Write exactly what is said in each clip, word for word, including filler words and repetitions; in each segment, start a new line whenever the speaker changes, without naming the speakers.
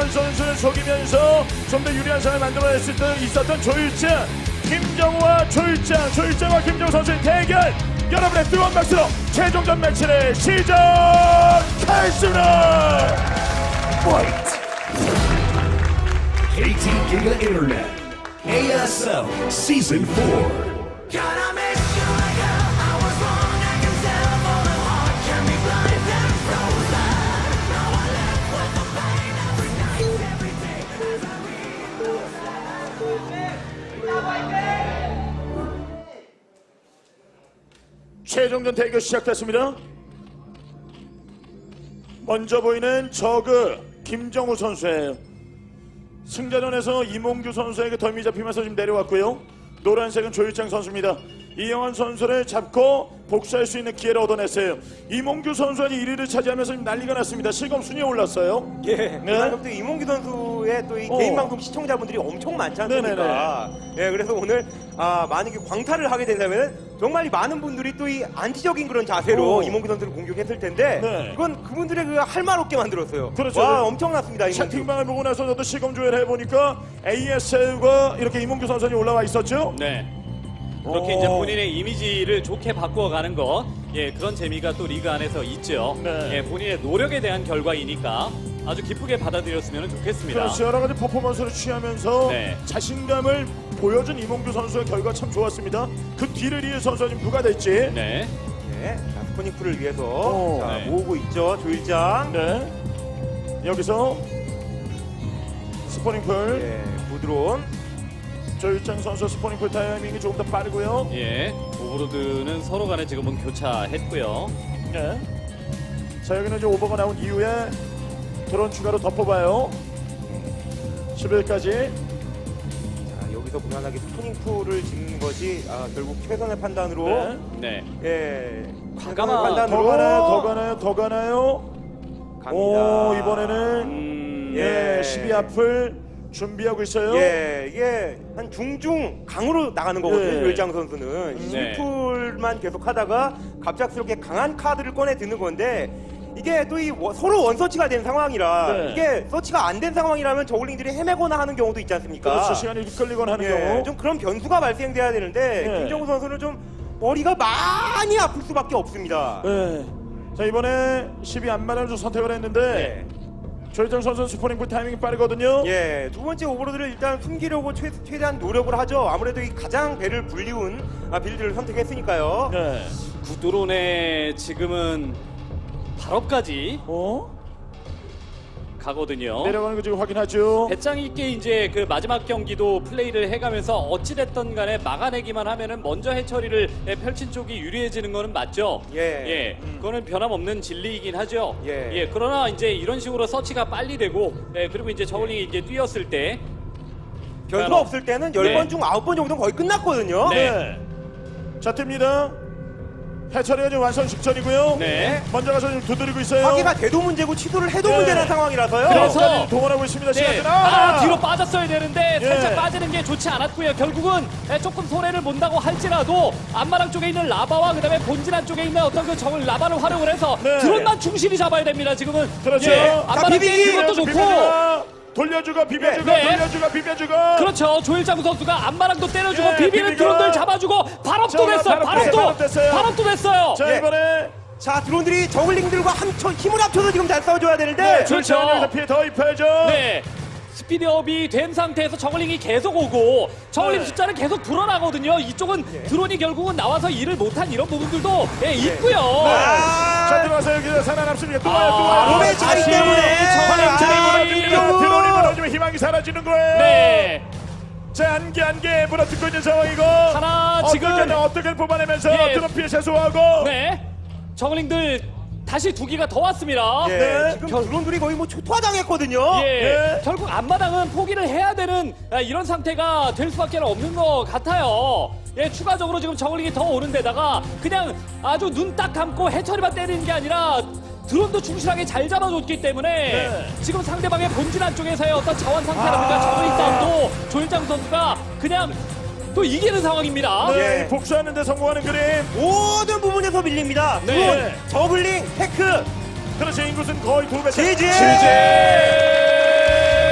이영환 선수를 속이면서 좀 더 유리한 상황을 만들어낼 수 있었던 조일장, 김정우와 조일장, 조일장과 김정우 선수의 대결, 여러분의 뜨거운 박수로 최종전 매치를 시작하겠습니다.
Fight! 케이티 Giga Internet A S L Season four.
Gonna make sure like hell I was wrong. I can tell for the heart can be blind and frozen. Now I live with the pain every night, every day as I
최종전 대결 시작됐습니다. 먼저 보이는 저그 김정우 선수예요. 승자전에서 이몽규 선수에게 덜미 잡히면서 지금 내려왔고요. 노란색은 조일장 선수입니다. 이영환 선수를 잡고 복수할 수 있는 기회를 얻어냈어요. 이몽규 선수가 일 위를 차지하면서 지금 난리가 났습니다. 실검 순위에 올랐어요.
예,
네.
그다음 또 이몽규 선수의 또 이
어.
개인 방송 시청자분들이 엄청 많지 않습니까? 예, 그래서 오늘 아, 만약에 광탈을 하게 된다면 정말 이 많은 분들이 또 이 안티적인 그런 자세로
어.
이몽규 선수를 공격했을 텐데
네.
이건 그분들의 그 할 말 없게 만들었어요.
그렇죠.
와, 엄청났습니다. 이몽규.
채팅방을 보고 나서 저도 실검 조회를 해보니까 에이에스엘과 이렇게 이몽규 선수가 올라와 있었죠.
네. 그렇게
오.
이제 본인의 이미지를 좋게 바꾸어가는 것, 예, 그런 재미가 또 리그 안에서 있죠.
네.
예, 본인의 노력에 대한 결과이니까 아주 기쁘게 받아들였으면 좋겠습니다.
그렇죠. 여러 가지 퍼포먼스를 취하면서
네.
자신감을 보여준 이몽규 선수의 결과 참 좋았습니다. 그 뒤를 이을 선수가 지금 누가 될지.
네.
네, 자, 스포니크를 위해서
오.
자,
네.
모으고 있죠. 조일장.
네. 여기서 스포닝풀
예, 부드러운.
조일장 선수 스포닝풀 타이밍이 조금 더 빠르고요.
예. 오버로드는 서로 간에 지금은 교차했고요.
네. 자 여기는 이제 오버가 나온 이후에 드론 추가로 더 뽑아요. 십 일까지.
자, 여기서 무난하게 스포닝풀을 짓는 것이 아, 결국 최선의 판단으로
네.
네.
예,
과감한
최선의
더 가나요? 더 가나요? 더 가나요?
갑니다.
오 이번에는
음,
예.
예, 십이 앞을 준비하고 있어요.
예, 이게 한 중중 강으로 나가는 거거든요.
예.
조일장 선수는
네.
심풀만 계속 하다가 갑작스럽게 강한 카드를 꺼내 드는 건데 이게 또 이 서로 원서치가 된 상황이라
네.
이게 서치가 안 된 상황이라면 저글링들이 헤매거나 하는 경우도 있지 않습니까?
그렇죠. 시간이 끌리거나 하는
예,
경우.
좀 그런 변수가 발생돼야 되는데
네.
김정우 선수는 좀 머리가 많이 아플 수밖에 없습니다.
네. 자 이번에 십이 안마를 좀 선택을 했는데
예.
조일장 선수 스포닝풀 타이밍이 빠르거든요.
예, 두 번째 오버로드를 일단 숨기려고 최, 최대한 노력을 하죠. 아무래도 이 가장 배를 불리운 아, 빌드를 선택했으니까요.
네.
구드론에 지금은 발업까지
어?
가거든요.
내려가는 거 지금 확인하죠.
배짱 있게 이제 그 마지막 경기도 플레이를 해가면서 어찌됐던 간에 막아내기만 하면은 먼저 해처리를 펼친 쪽이 유리해지는 거는 맞죠.
예.
예. 그거는 변함없는 진리이긴 하죠.
예.
그러나 이제 이런 식으로 서치가 빨리 되고, 예, 그리고 이제 저울링이 이제 뛰었을 때,
변수가
뭐-
없을 때는 열 번
네.
중 아홉 번 정도는 거의 끝났거든요.
네.
네. 자 뜹니다. 해처리가 지금 완성 직전이고요.
네.
먼저 가서 지금 두드리고 있어요.
파기가 돼도 문제고 취소를 해도
네.
문제라는 상황이라서요.
그래서-
그래서 동원하고 있습니다.
네.
시간
아, 뒤로 빠졌어야 되는데
예.
살짝 빠지는 게 좋지 않았고요. 결국은 예, 조금 손해를 본다고 할지라도 안마랑 쪽에 있는 라바와 그다음에 본진한 쪽에 있는 어떤 그 적을 라바를 활용을 해서
네.
드론만 충실히 잡아야 됩니다. 지금은
그렇죠.
예,
자,
안마랑
비비기!
깨는 것도 좋고.
비벼주고, 돌려주고 비벼주고
네.
돌려주고 비벼주고.
그렇죠. 조일장 선수가 안마랑도 때려주고
예,
비비는
비비고.
드론들 잡아주고 발업도
자,
됐어요.
발업 됐어요, 발업
발업도
됐어요.
발업도 됐어요.
자
예.
이번에
자, 드론들이 저글링들과 함, 힘을 합쳐서 지금 잘 싸워줘야 되는데.
네,
그렇죠.
여기서 피해 더 입혀야죠.
네. 스피드업이 된 상태에서 저글링이 계속 오고 저글링
네.
숫자는 계속 불어나거든요. 이쪽은 드론이 결국은 나와서 일을 못한 이런 부분들도 예, 있고요.
자
아,
들어가서 여기서 살아남습니다. 또 와요 또 와요.
몸의 자리
다시
때문에.
저글링들이
아,
무너집니다.
이거.
드론이 무너지면 희망이 사라지는 거예요.
네.
자 안개 안개 물어뜯고 있는 상황이고
하나
어떻게
지금
어떻게 뽑아내면서
예.
드론 피해 최소화하고
네. 저글링들 다시 두 기가 더 왔습니다.
예,
네.
지금 드론들이 거의 뭐 초토화당했거든요.
예.
예.
결국 앞마당은 포기를 해야 되는 아, 이런 상태가 될 수밖에 없는 것 같아요. 예, 추가적으로 지금 저글링이 더 오는 데다가 그냥 아주 눈 딱 감고 해처리만 때리는 게 아니라 드론도 충실하게 잘 잡아줬기 때문에
네.
지금 상대방의 본진 안쪽에서의 어떤 자원 상태라든가
아.
저글링 싸움도 조일장 선수가 그냥 또 이기는 상황입니다.
네,
예.
복수하는데 성공하는 그림.
모든 부분에서 밀립니다.
네.
드론, 저글링, 테크,
그렇죠 인구수는 거의 두 배.
제재!
제재!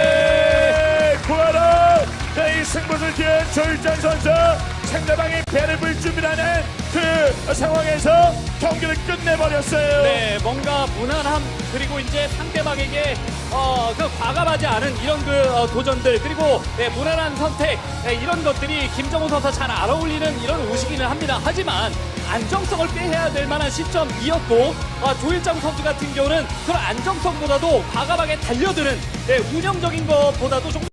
조일장 선수 상대방이 배를 불 준비하는 그 상황에서 경기를 끝내버렸어요.
네, 뭔가 무난함 그리고 이제 상대방에게 어, 그 과감하지 않은 이런 그 어, 도전들 그리고 네, 무난한 선택 네, 이런 것들이 김정우 선수 잘 알아올리는 이런 옷이기는 합니다. 하지만 안정성을 빼야 될 만한 시점이었고 어, 조일장 선수 같은 경우는 그런 안정성보다도 과감하게 달려드는 네, 운영적인 것보다도 좀